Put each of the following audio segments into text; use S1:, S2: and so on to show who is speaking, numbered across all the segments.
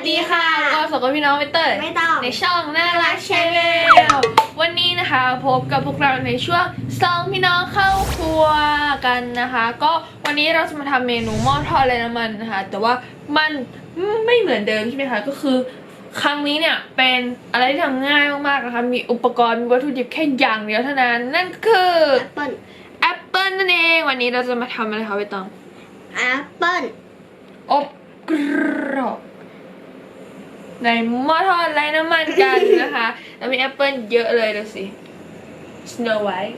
S1: ดีค่ะก็สวัสดีพี่น้องเตอร์
S2: ไม่ต้อง
S1: ในช่องน่ารักชาแนลวันนี้นะคะพบกับพวกเราในช่วงสองพี่น้องเข้าครัวกันนะคะก็วันนี้เราจะมาทำเมนูหม้อทอดไร้น้ำมันนะคะแต่ว่ามันไม่เหมือนเดิมใช่ไหมคะก็คือครั้งนี้เนี่ยเป็นอะไรที่ทำง่ายมากๆนะคะมีอุปกรณ์มีวัตถุดิบแค่อย่างเดียวเท่านั้นนั่นคือแอปเปิ้ลนั่นเองวันนี้เราจะมาทำอะไรคะใบตอง
S2: แอปเปิ้ล
S1: อบกรอบในหม้อทอดไร้น้ำมันกันนะคะแล้วมีแอปเปิ้ลเยอะเลยดูสิ Snow White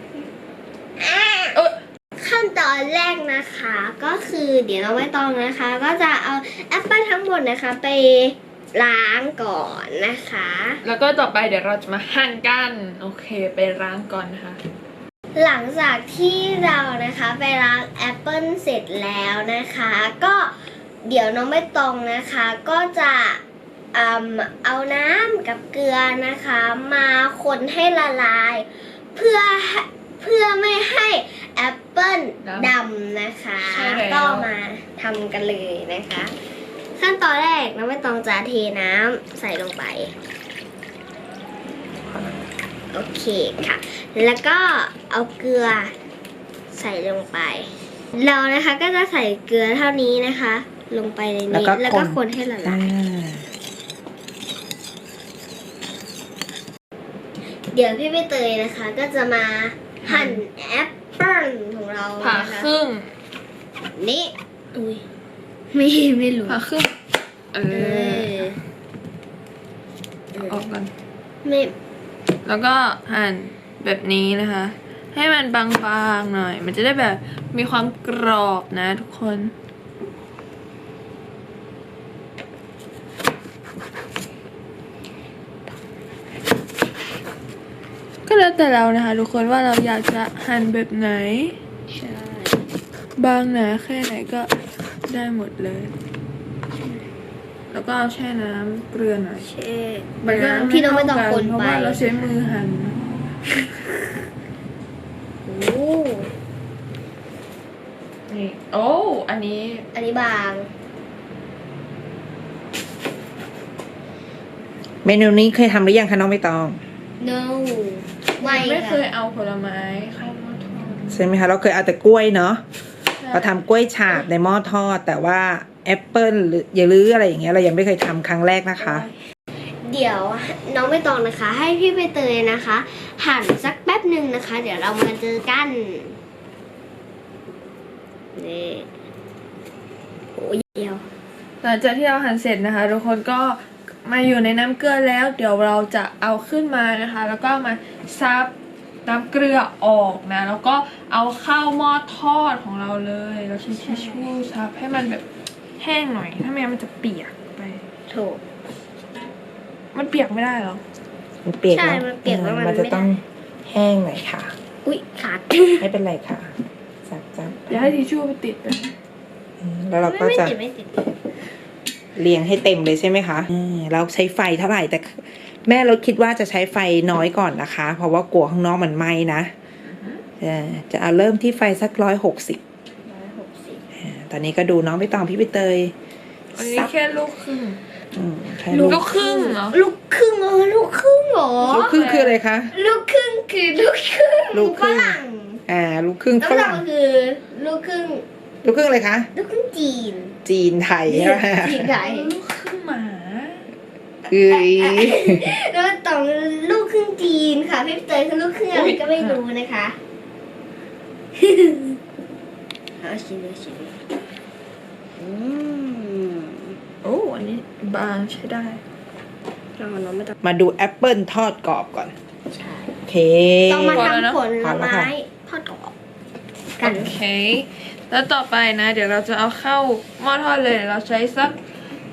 S2: ขั้นตอนแรกนะคะก็คือเดี๋ยวเราไม่ต้องนะคะก็จะเอาแอปเปิ้ลทั้งหมดนะคะไปล้างก่อนนะคะ
S1: แล้วก็ต่อไปเดี๋ยวเราจะมาหั่นกันโอเคไปล้างก่อนนะคะ
S2: หลังจากที่เรานะคะไปล้างแอปเปิ้ลเสร็จแล้วนะคะก็เดี๋ยวน้องไม่ตองนะคะก็จะเอาน้ำกับเกลือนะคะมาคนให้ละลายเพื่อไม่ให้แอปเปิ้ลดำนะคะก็มาทำกันเลยนะคะขั้นตอนแรกน้องไม่ต้องจะเทน้ำใส่ลงไปโอเคค่ะแล้วก็เอาเกลือใส่ลงไปเรานะคะก็จะใส่เกลือเท่านี้นะคะลงไปในนี้แล้วก็คนให้ละลายเดี๋ยวพี่ใบเตยนะคะก็จะมาหั่นแอปเปิ้ลของเรา
S1: ผ่าครึ่ง
S2: นี่อุ้ยไม่รู้
S1: ผ่าครึ่งออกกัน
S2: ไม่
S1: แล้วก็หั่นแบบนี้นะคะให้มันบางๆหน่อยมันจะได้แบบมีความกรอบนะทุกคนก็แล้วแต่เรานะคะทุกคนว่าเราอยากจะหั่นแบบไหน
S2: ใช่
S1: บางหนาแค่ไหนก็ได้หมดเลยแล้วก็แช่น้ำเกลือหน่อย
S2: แช่น้ำที่เราไม่ต้องคนไป
S1: เพราะว่าเราใช้มือหั่น
S2: โอ้
S1: นี่โอ้อันนี้
S2: บาง
S3: เมนูนี้เคยทำหรือยังคะน้องใบตอง
S2: no
S1: ไม่เคยเอาผลไม้เข้าหม้อทอด
S3: ใช่ไหมคะเราเคยเอาแต่กล้วยเนาะเราทำกล้วยฉาบในหม้อทอดแต่ว่าแอปเปิ้ลหรืออย่าลืออะไรอย่างเงี้ยเรายังไม่เคยทำครั้งแรกนะคะ
S2: เดี๋ยวน้องใบตองนะคะให้พี่ใบเตยนะคะหั่นสักแป๊บหนึ่งนะคะเดี๋ยวเรามาเจอกันนี่โอ้ยเดียว
S1: หลังจากที่เราหั่นเสร็จนะคะทุกคนก็มาอยู่ในน้ำเกลือแล้วเดี๋ยวเราจะเอาขึ้นมานะคะแล้วก็มาซับน้ำเกลือออกนะแล้วก็เอาเข้าหม้อทอดของเราเลยเราใช้ทิชชู่ซับให้มันแบบแห้งหน่อยถ้าไม่งั้นมันจะเปียกไป
S2: ถูก
S1: มันเปียกไม่ได้หรอ
S3: มันเปียก
S2: ใช่มันเปียกแล้ว
S3: มันจะต้องแห้งหน่อยค่ะ
S2: อุ๊ยขาด
S3: ไม่เป็นไรค่ะซับ
S1: อย่าให้ทิชชู่ไปติดนะ
S3: แล้วเราก็จะเรียงให้เต็มเลยใช่ไหมคะเราใช้ไฟเท่าไหร่แต่แม่เราคิดว่าจะใช้ไฟน้อยก่อนนะคะเพราะว่ากลัวข้างนอกมันไหม้นะจะเอาเริ่มที่ไฟสัก160ตอนนี้ก็ดูน้องใบตองพี่ใบเตย
S1: อันนี้แค่ลูกครึ่ง
S2: ลูกครึ่งเหรอลูกครึ่งเหรอลูกครึ่ง
S3: คืออะไรคะ
S2: ลูกครึ่งคือลูกครึ่งฝรั่ง
S3: ลูกครึ่งฝรั่ง
S2: คือลูกครึ่ง
S3: อะไรคะ
S2: ลูกครึ่งจี
S3: นไทยใช่ไหม
S2: จีนไทย
S1: ลูกครึ่งหมา
S2: แล้วต้องลูกครึ่งจีนค่ะพี่เตยคือลูกครึ่งอะไรก็ไม่รู้นะคะเอาชิม
S1: โอ้อันนี้บางใช้ได้
S3: มาดูแอปเปิลทอดกรอบก่อน
S2: ใช่
S3: โอเค
S2: ต้องมาทำผลไม้ทอดกรอบ
S1: กันโอเคแล้วต่อไปนะเดี๋ยวเราจะเอาเข้าหม้อทอดเลยเราใช้สัก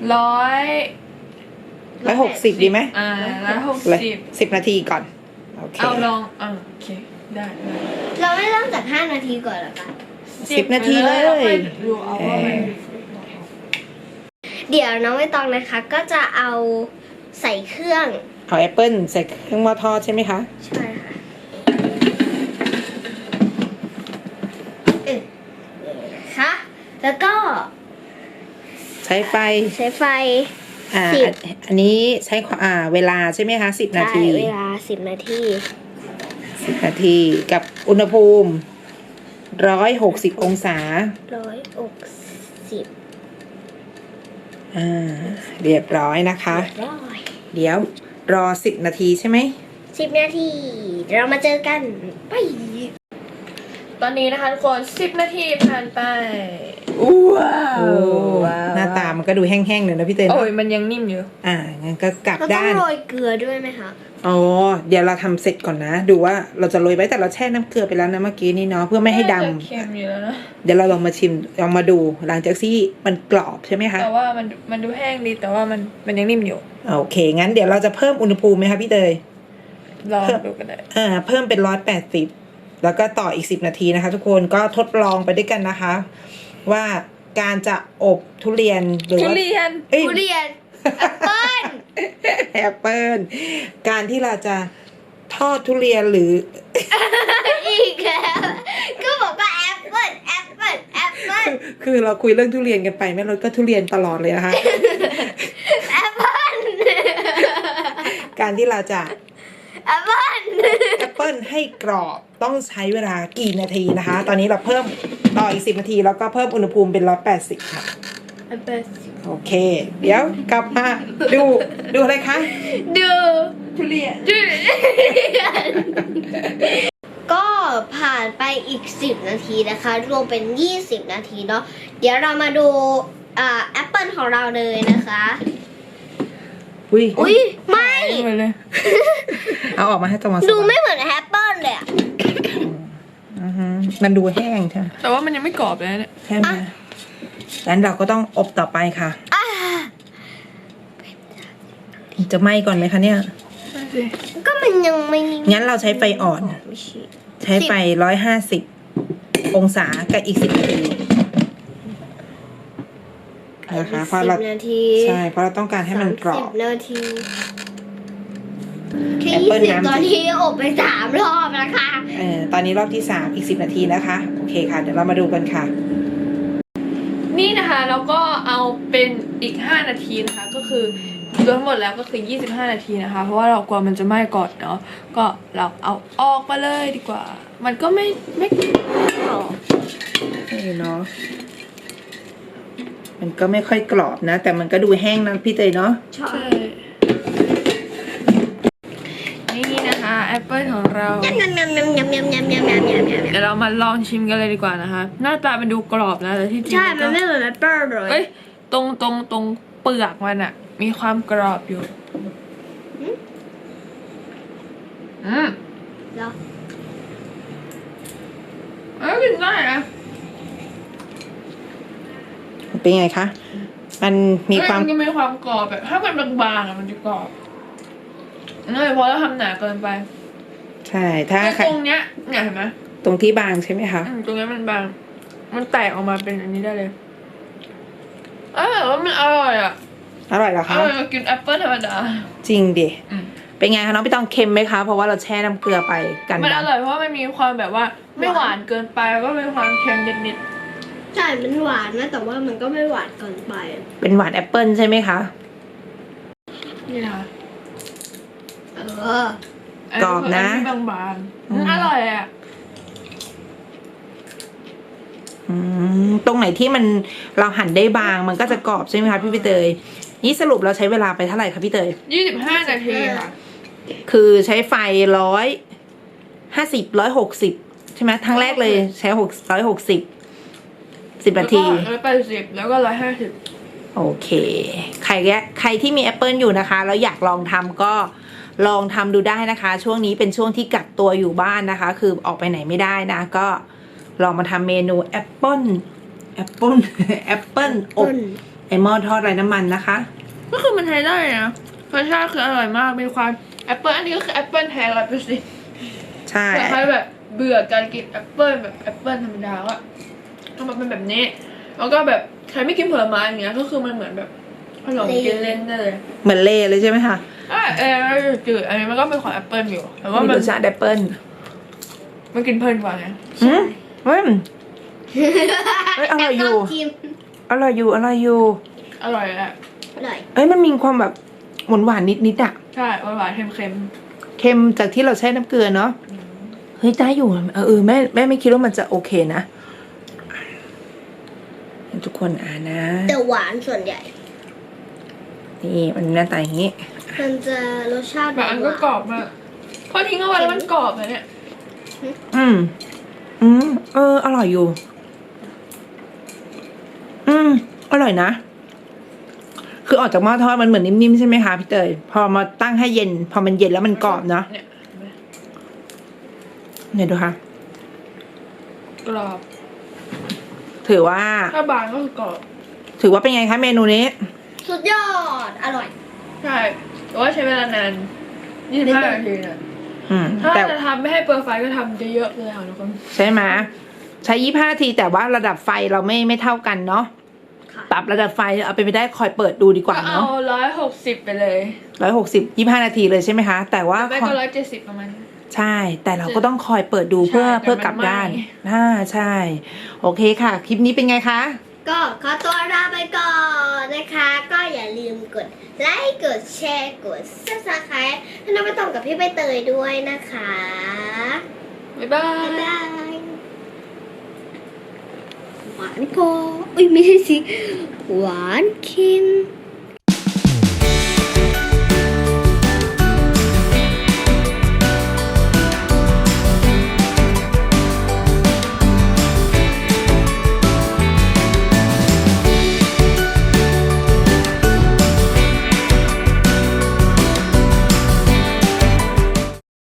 S3: 160ดีไหม
S1: 160
S3: นาทีก่อนโอเค
S1: เอาลองโอเคได้
S2: เราไม่เริ่มจาก5 นาทีก่อนหรอคะ
S3: 10 นาทีเลย
S1: ดูเอาว่า
S2: เดี๋ยวน้องใบตองนะคะก็จะเอาใส่เครื่อง
S3: เอาแอปเปิ้ลใส่เครื่องหม้อทอดใช่ไหมคะ
S2: ใช่ค่ะนะคะแล้วก็
S3: ใช้ไฟ
S2: 10
S3: อันนี้ใช้เวลาใช่ไหมคะ10 นาที
S2: เวลา10 นาที
S3: 10 นาทีกับอุณหภูมิ160 องศา
S2: 160
S3: เรียบร้อยนะคะ
S2: ร้อย
S3: เดี๋ยวรอ10 นาทีใช่ไหม
S2: 10 นาที เรามาเจอกันไป
S1: ตอนนี้นะคะทุกคน10 นาทีผ่านไปว้าว
S3: หน้าตามันก็ดูแห้งๆเลยนะพี่เต้น
S1: โอ้ยมันยังนิ่มอยู่
S3: งั้นก็กลับ
S2: เราต้อง
S3: ด้าน
S2: โรยเกลือด้วยไหมคะ
S3: อ๋อ เดี๋ยวเราทำเสร็จก่อนนะ ดูว่าเราจะโรยไว้แต่เราแช่น้ำเกลือไปแล้วนะเมื่อกี้นี้เนาะเพื่อไม่ให้ดำ
S1: น่าจะเค็มอยู่แล้วนะ
S3: เดี๋ยวเราลองมาชิมลองมาดูหลังจากที่มันกรอบใช่ไหมคะ
S1: แต่ว่ามันดูแห้งดีแต่ว่ามันยังนิ่มอยู่
S3: โอเค งั้นเดี๋ยวเราจะเพิ่มอุณหภูมิไหมคะพี่เตย
S1: ลองดูกันได้
S3: เพิ่มเป็น180แล้วก็ต่ออีก10 นาทีนะคะ ทุกคนก็ทดลองไปด้วยกันนะคะ ว่าการจะอบทุเรียนหรือ
S1: ทุ
S3: ว่า
S1: เรียน
S3: เอ้ย
S2: ทุเรียน แอปเปิ้ล
S3: แอปเปิลการที่เราจะทอดทุเรียนหรือ
S2: อีกแล้วก็บอกว่าแอปเปิ้ลแอปเปิ้ลแอปเปิ้ล
S3: คือเราคุยเรื่องทุเรียนกันไปแม่รถก็ทุเรียนตลอดเลยนะคะ
S2: แอปเปิ้ล
S3: การที่เราจะ
S2: แอปเปิ้ล
S3: แอปเปิลให้กรอบต้องใช้เวลากี่นาทีนะคะ ตอนนี้เราเพิ่มต่ออีก10 นาทีแล้วก็เพิ่มอุณหภูมิเป็น180ค่ะ
S1: แอปเปิ้ล
S3: โอเค เดี๋ยวกลับมาดูอะไรคะ
S1: ดูทุเรียน
S2: ก็ผ่านไปอีก10 นาทีนะคะ รวมเป็น20 นาทีเนาะเดี๋ยวเรามาดูแอปเปิลของเราเลยนะคะ
S3: อุ้ย
S2: อุ้ยไม่
S1: ไปเลย
S3: เอาออกมาให้ตรงมา
S2: ดูไม่เหมือนแอปเปิลเลยอะ
S3: มันดูแห้งใช่ไหม
S1: แต่ว่ามันยังไม่กรอบเลยเนี่ย
S3: ใช่ไหมงั้นเราก็ต้องอบต่อไปค่ะ
S2: อ่า
S3: จะไหม้ก่อนไหมคะเนี่ย
S1: นั่นสิ
S2: ก็มันยังไม่
S3: งั้นเราใช้ไฟอ่อน
S2: ไม่ใช่
S3: ใช้ไฟ150 องศากับอีก10 นาทีนะคะเพราะเรา
S2: 10 นาที
S3: ใช่เพราะเราต้องการให้มันกรอบ
S2: 30 นาทีแค่
S3: แอปเปิ้ล
S2: 20
S3: น้ำ
S2: ตอนนี้อบไป3 รอบนะคะ
S3: ตอนนี้รอบที่3อีก10 นาทีนะคะ โอเคค่ะ เดี๋ยวเรามาดูกันค่ะ
S1: นี่นะคะแล้วก็เอาเป็นอีก5 นาทีนะคะก็คือรวมหมดแล้วก็คือ25 นาทีนะคะเพราะว่าเรากลัวมันจะไหม้ก่อนเนาะก็เราเอาออกมาเลยดีกว่า มันก็ไม่กรอบ
S3: นี่เนาะ มันก็ไม่ค่อยกรอบนะ แต่มันก็ดูแห้งนะพี่เตยเนาะ
S2: ใช่
S1: นี่นะคะแอปเปิลของเรา
S2: ยำยำยำยำยำยำยำยำยำยำยำ
S1: เดี๋ยวเรามาลองชิมกันเลยดีกว่านะคะ หน้าตามันดูกรอบนะแต่ที่จริง
S2: ใช่
S1: ก็
S2: มันไม่เหมือนแอปเปิ้ลเลย
S1: เอ้ยตรงเปลือกมันอะมีความกรอบอยู่อืม
S2: เหรอ
S1: กินได้นะ
S3: เป็นไงคะ มันมีความ
S1: นก็มีความกรอบแบบถ้ามันบางๆอะมันจะกรอบนั่นเลยเพราะเราทำหนาเกินไป
S3: ใช่ ถ้า
S1: แต่ตรงเนี้ยเนี่ยเห็นไหม
S3: ตรงที่บางใช่ไหมคะ
S1: ตรงเนี้ยมันบาง มันแตกออกมาเป็นอันนี้ได้เลยแต่ว่ามันอร่อยอ่ะ
S3: อร่อยเหรอ
S1: อ
S3: คะ
S1: ร่อยกว่ากินแอปเปิ้ลธรรมดา
S3: จริงดิ
S1: อืม
S3: เป็นไงคะน้องพี่ต้องเค็มไหมคะ เพราะว่าเราแช่น้ำเกลือไปกัน
S1: มันอ
S3: ดำ
S1: ร่อยเพราะว่ามันมีความแบบว่าไม่หวานเกินไปแล้วก็มีความเค็มนิด
S2: ใช่มันหวานนะแต่ว่ามันก็ไม่หวานเกินไป
S3: เป็นหวานแอปเปิลใช่ไหมคะ
S1: ๆนี่ค่ะ
S2: เออ
S3: กรอบนะ
S1: อัที่บางๆมันอร่อยอ่ะ
S3: ตรงไหนที่มันเราหั่นได้บางมันก็จะกรอบใช่ไหมคะพี่เตย นี่สรุปเราใช้เวลาไปเท่าไหร่คะพี่เตย
S1: 25 นาทีค่ะ
S3: คือใช้ไฟ150 160 ใช่ไหมทั้งแรกเลยใช้160 10 นาที
S1: แล้วก็180แล้วก็150
S3: โอเค ใครที่มีแอปเปิลอยู่นะคะ แล้วอยากลองทำก็ลองทำดูได้นะคะ ช่วงนี้เป็นช่วงที่กักตัวอยู่บ้านนะคะ คือออกไปไหนไม่ได้นะ ก็ลองมาทำเมนูแอปเปิลอบไอหม้อทอดไร้น้ำมันนะคะ
S1: ก็คือมันใช้ได้นะรสชาติคืออร่อยมากมีความแอปเปิ้ลอันนี้ก็คือแอปเปิ้ลแท้100%
S3: ใช่
S1: แต่ใครแบบเบื่อการกินแอปเปิ้ลแบบแอปเปิ้ลธรรมดาก็ทำมาเป็นแบบนี้ แล้วก็แบบใครไม่กินผลไม้อย่างเงี้ยก็คือมันเหมือนแบบขนมกินเล่นได้เลย
S3: เหมือนเล่เลยใช่ไหมคะ
S1: จืดอันนี้มันก็เป็นของแอปเปิ้ลอยู่แต่ว่า
S3: มี
S1: มั
S3: ร
S1: น
S3: สชาติแอปเปิล
S1: มันกินเพลินกว่าไง
S3: เฮ้ยอร่อยอยู่
S2: จิ้ม
S3: อร่อยอยู่
S1: อร่อยแหละ
S2: อร่อย
S3: เอ้ยมันมีความแบบหวานนิดๆอ่ะ
S1: ใช่หวานๆเค็ม
S3: เค็มจากที่เราใช้น้ำเกลือเนาะเฮ้ยได้อยู่แม่ไม่คิดว่ามันจะโอเคนะทุกคนนะ
S2: แต่หวานส่วนใหญ่
S3: นี่มันหน้าตาอย่างนี้
S2: มันจะรสชาติ
S1: ๆบางอันก็กรอบมากพอทิ้งเอาไว้แล้วมันกรอบเลยเนี่ย
S3: อร่อยอยู่อร่อยนะคือออกจากหม้อทอดมันเหมือนนิ่มๆใช่ไหมคะพี่เตยพอมาตั้งให้เย็นพอมันเย็นแล้วมันกรอบเนาะ เนี่ยดูค่ะ
S1: กรอบ
S3: ถือว่า
S1: ถ้าบางก็คือกรอบ
S3: ถือว่าเป็นไงคะเมนูนี้
S2: สุดยอด อร่อย
S1: ใช่แต่ว่าใช้เวลานาน25 นาทีนะถ้า
S3: แต่
S1: จะทำไม่ให้เปลืองไฟก็ทำเยอะๆเลยค่ะทุกคน
S3: ใช่ไหมใช้25 นาทีแต่ว่าระดับไฟเราไม่เท่ากันเนาะ
S2: ค่ะ
S3: ปรับระดับไฟเอาไปไม่ได้คอยเปิดดูดีกว่า
S1: ก็เอา
S3: เนาะ
S1: 160ไปเลย
S3: 160 25 นาทีเลยใช่ไหมคะ แต่ว่า
S1: ไม่ก็170ประมาณ
S3: ใช่ แต่เราก็ต้องคอยเปิดดู
S1: ใช่
S3: เพื่อ
S1: เดี๋ยวมัน
S3: กลับด้าน
S1: ไหม้
S3: ใช่ โอเคค่ะ คลิปนี้เป็นไงคะ
S2: ก็ขอตัวลาไปก่อนนะคะ ก็อย่าลืมกดไลค์ กดแชร์ กด Subscribe ให้น้องไปต่อกับพี่ใบเตยด้วยนะคะ
S1: บ๊ายบา
S2: บ๊าย
S1: ย
S2: บายหวานพออุ้ยไม่ใช่สิ หวานเค็ม